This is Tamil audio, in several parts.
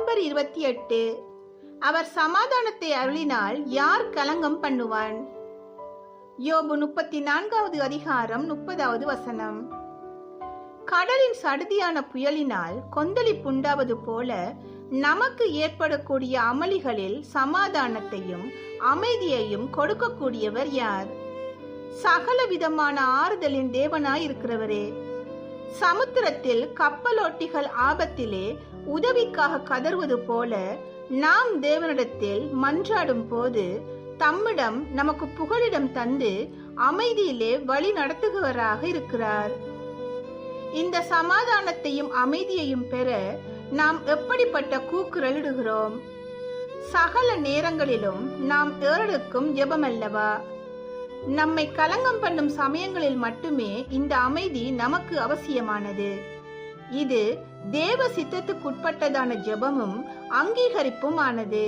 நவம்பர் 28. அவர் சமாதானத்தை அருளினால் யார் கலங்கம் பண்ணுவான்? யோபு 34வது அதிகாரம் 30வது வசனம். கடலின் சடுதியான புயலினால் கொந்தளிப்புண்டாவது போல நமக்கு ஏற்படக்கூடிய அமளிகளில் சமாதானத்தையும் அமைதியையும் கொடுக்கக்கூடியவர் யார்? சகல விதமான ஆறுதலின் தேவனாயிருக்கிறவரே. சமுத்திரத்தில் கப்பலோட்டிகள் ஆபத்திலே உதவிக்காக கதறுவது போல நாம் தேவனிடத்தில் மன்றாடும் போது தம்மிடம் நமக்கு புகலிடம் தந்து அமைதியிலே வழி நடத்துகிறவராக இருக்கிறார். இந்த சமாதானத்தையும் அமைதியையும் பெற நாம் எப்படிப்பட்ட கூக்குரலிடுகிறோம்? சகல நேரங்களிலும் நாம் ஏறெடுக்கும் ஜெபமல்லவா? நம்மை கலங்கம் பண்ணும் சமயங்களில் மட்டுமே இந்த அமைதி நமக்கு அவசியமானது. இது தேவ சித்தத்துக்குட்பட்டதான ஜெபமும் அங்கீகரிப்பும் ஆனது.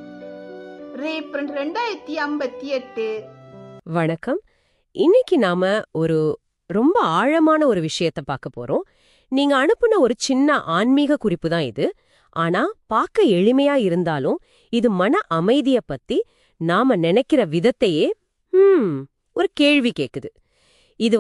2058. வணக்கம். இன்னைக்கு நாம ஒரு ரொம்ப ஆழமான ஒரு விஷயத்த பார்க்க போறோம். நீங்க அனுப்புன ஒரு சின்ன ஆன்மீக குறிப்பு தான் இது. ஆனா பார்க்க எளிமையா இருந்தாலும் இது மன அமைதிய பத்தி நாம நினைக்கிற விதத்தையே ஒரு கேள்வி கேக்குது. இது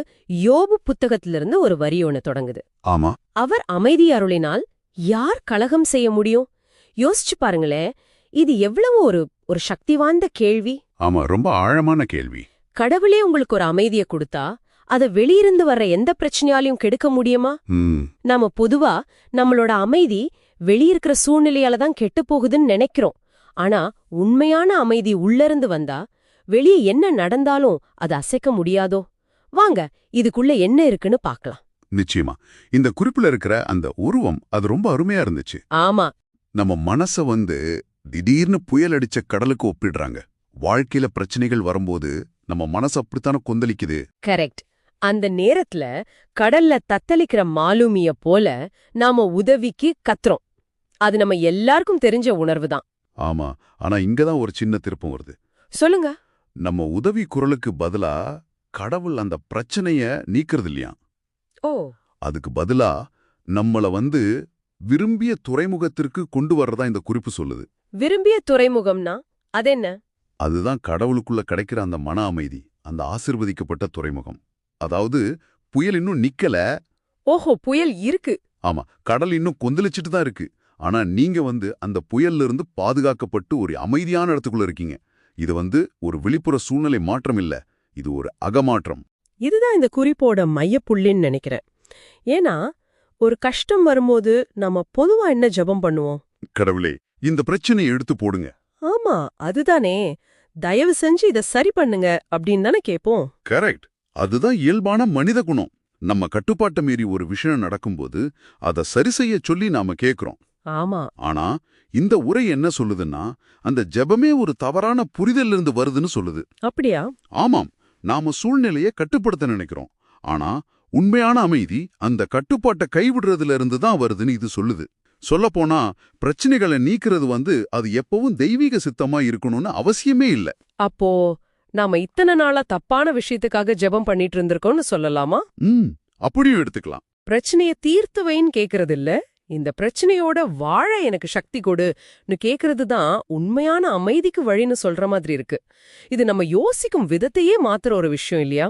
யோபு புத்தகத்திலிருந்து ஒரு வரி ஒண்ணு தொடங்குது. ஆமா. அவர் அமைதி அருளினால் யார் கலகம் செய்ய முடியும்? யோசிச்சு பாருங்களேன், இது எவ்வளவு ஒரு சக்தி வாய்ந்த கேள்வி. ஆமா, ரொம்ப ஆழமான கேள்வி. கடவுளே உங்களுக்கு ஒரு அமைதியை கொடுத்தா அத வெளியிருந்து வர்ற எந்த பிரச்சனையாலையும் கெடுக்க முடியுமா? நாம பொதுவா நம்மளோட அமைதி வெளியிருக்கிற சூழ்நிலையால தான் கெட்டு போகுதுன்னு நினைக்கிறோம். ஆனா உண்மையான அமைதி உள்ளிருந்து வந்தா வெளியே என்ன நடந்தாலும் அது அசைக்க முடியாதோ? வாங்க இதுக்குள்ள என்ன இருக்குன்னு பார்க்கலாம். நிச்சயமா. இந்த குறிப்புல இருக்கிற அந்த உருவம் அது ரொம்ப அருமையா இருந்துச்சு. ஆமா. நம்ம மனச திடீர்னு புயல் அடிச்ச கடலுக்கு ஒப்பிடுறாங்க. வாழ்க்கையில பிரச்சனைகள் வரும்போது நம்ம மனசு அப்படித்தானே கொந்தளிக்குது. கரெக்ட். அந்த நேரத்துல கடல்ல தத்தளிக்கிற மாலுமிய போல நாம உதவிக்கு கத்துறோம். அது நம்ம எல்லாருக்கும் தெரிஞ்ச உணர்வு தான். ஆமா. ஆனா இங்கதான் ஒரு சின்ன திருப்பம் வருது. சொல்லுங்க. நம்ம உதவி குரலுக்கு பதிலா கடவுள் அந்த பிரச்சனைய நீக்கிறது இல்லையா? ஓ. அதுக்கு பதிலா நம்மள விரும்பிய துறைமுகத்திற்கு கொண்டு வர்றதா இந்த குறிப்பு சொல்லுது. விரும்பிய துறைமுகம்னா அது என்ன? அதுதான் கடவுளுக்குள்ள கிடைக்கிற அந்த மன அமைதி, அந்த ஆசிர்வதிக்கப்பட்ட துறைமுகம். அதாவது புயல் இன்னும் நிக்கல. ஓஹோ, புயல் இருக்கு. ஆமா, கடல் இன்னும் கொந்தளிச்சிட்டு தான் இருக்கு. ஆனா நீங்க அந்த புயல்ல இருந்து பாதுகாக்கப்பட்டு ஒரு அமைதியான இடத்துக்குள்ள இருக்கீங்க. இது ஒரு வெளிப்புற சூழ்நிலை மாற்றம் இல்ல, இது ஒரு அகமாற்றம். இதுதான் இந்த குறிப்போட மையப்புள்ளின்னு நினைக்கிறேன். ஏன்னா ஒரு கஷ்டம் வரும்போது நம்ம பொதுவா என்ன ஜெபம் பண்ணுவோம்? கடவுளே, இந்த பிரச்சனையை எடுத்து போடுங்க. ஆமா, அதுதானே. தயவு செஞ்சு இத சரி பண்ணுங்க அப்படின்னு தானே கேட்போம். கரெக்ட். அதுதான் இயல்பான மனித குணம். நம்ம கட்டுப்பாட்டை மீறி ஒரு விஷயம் நடக்கும்போது அதை சரி செய்ய சொல்லி நாம கேக்குறோம். ஆமா. ஆனா இந்த உரை என்ன சொல்லுதுன்னா, அந்த ஜெபமே ஒரு தவறான புரிதல்ல இருந்து வருதுன்னு சொல்லுது. அப்படியா? ஆமாம். நாம சூழ்நிலையை கட்டுப்படுத்த நினைக்கிறோம். ஆனா உண்மையான அமைதி அந்த கட்டுப்பாட்டை கைவிடுறதுல இருந்து தான் வருதுன்னு இது சொல்லுது. சொல்லப்போனா பிரச்சனைகளை நீக்கிறது அது எப்பவும் தெய்வீக சித்தமா இருக்கணும்னு அவசியமே இல்ல. அப்போ நாம இத்தனை நாளா தப்பான விஷயத்துக்காக ஜெபம் பண்ணிட்டு இருந்திருக்கோம்னு சொல்லலாமா? அப்படியும் எடுத்துக்கலாம். பிரச்சனைய தீர்த்து வைன்னு கேக்குறது இல்ல, இந்த பிரச்சனையோட வாழ எனக்கு சக்தி கொடுன்னு கேக்குறது தான் உண்மையான அமைதிக்கு வழின்னு சொல்ற மாதிரி இருக்கு. இது நம்ம யோசிக்கும் விதத்தையே மாத்துற ஒரு விஷயம் இல்லையா?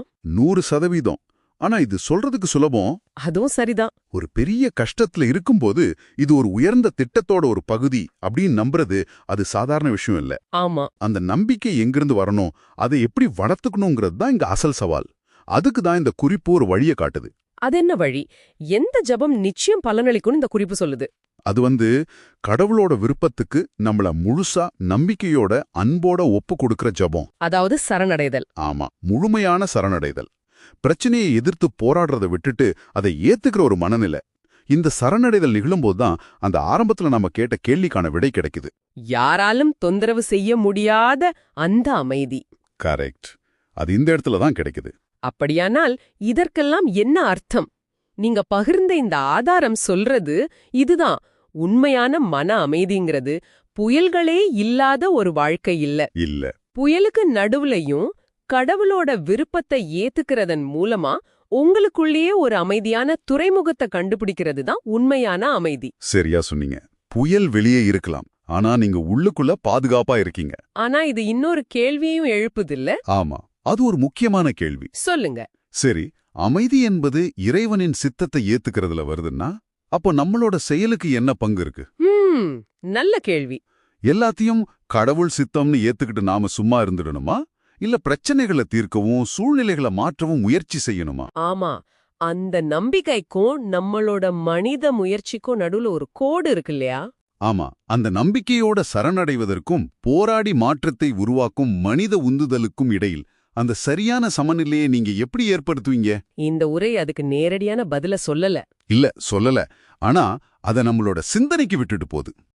100%. ஆனா இது சொல்றதுக்கு சுலபம். அதுவும் சரிதான். ஒரு பெரிய கஷ்டத்துல இருக்கும்போது இது ஒரு உயர்ந்த திட்டத்தோட ஒரு பகுதி அப்படின்னு நம்புறது அது சாதாரண விஷயம் இல்ல. ஆமா. அந்த நம்பிக்கை எங்கிருந்து வரணும், அதை எப்படி வளர்த்துக்கணுங்கிறது தான் இங்க அசல் சவால். அதுக்கு தான் இந்த குறிப்பு ஒரு வழியை காட்டுது. அது என்ன வழி? எந்த ஜெபம் நிச்சயம் பலனளிக்கும்னு இந்த குறிப்பு சொல்லுது? அது கடவுளோட விருப்பத்துக்கு நம்மள முழுசா நம்பிக்கையோட அன்போட ஒப்பு கொடுக்கிற ஜெபம். அதாவது சரணடைதல். ஆமா, முழுமையான சரணடைதல். பிரச்சனையை எதிர்த்து போராடுறதை விட்டுட்டு அதை ஏத்துக்கிற ஒரு மனநிலை. இந்த சரணடைதல் நிகழும்போதுதான் அந்த ஆரம்பத்துல நம்ம கேட்ட கேள்விக்கான விடை கிடைக்குது. யாராலும் தொந்தரவு செய்ய முடியாத அந்த அமைதி. கரெக்ட். அது இந்த இடத்துல தான் கிடைக்குது. அப்படியானால் இதற்கெல்லாம் என்ன அர்த்தம்? நீங்க பகிர்ந்த இந்த ஆதாரம் சொல்றது இதுதான். உண்மையான மன அமைதிங்கிறது புயல்களே இல்லாத ஒரு வாழ்க்கை இல்ல. புயலுக்கு நடுவுலையும் கடவுளோட விருப்பத்தை ஏத்துக்கிறதன் மூலமா உங்களுக்குள்ளேயே ஒரு அமைதியான துறைமுகத்தை கண்டுபிடிக்கிறது தான் உண்மையான அமைதி. சரியா சொன்னீங்க. புயல் வெளியே இருக்கலாம், ஆனா நீங்க உள்ளுக்குள்ள பாதுகாப்பா இருக்கீங்க. ஆனா இது இன்னொரு கேள்வியையும் எழுப்புதில்ல? ஆமா, அது ஒரு முக்கியமான கேள்வி. சொல்லுங்க. சரி, அமைதி என்பது இறைவனின் சித்தத்தை ஏத்துக்கிறதுல வருதுன்னா, அப்போ நம்மளோட செயலுக்கு என்ன பங்கு இருக்கு? நல்ல கேள்வி. எல்லாத்தையும் கடவுள் சித்தம்னு ஏத்துக்கிட்டு நாம சும்மா இருந்துடணுமா? இல்ல பிரச்சனைகளை தீர்க்கவும் சூழ்நிலைகளை மாற்றவும் முயற்சி செய்யணுமா? ஆமா, அந்த நம்பிக்கைக்கும் நம்மளோட மனித முயற்சிக்கும் நடுவுல ஒரு கோடு இருக்கு இல்லையா? ஆமா, அந்த நம்பிக்கையோட சரணடைவதற்கும் போராடி மாற்றத்தை உருவாக்கும் மனித உந்துதலுக்கும் இடையில் அந்த சரியான சமநிலையை நீங்க எப்படி ஏற்படுத்துவீங்க? இந்த உரை அதுக்கு நேரடியான பதில சொல்லல. இல்ல, சொல்லல. ஆனா அத நம்மளோட சிந்தனைக்கு விட்டுட்டு போகுது.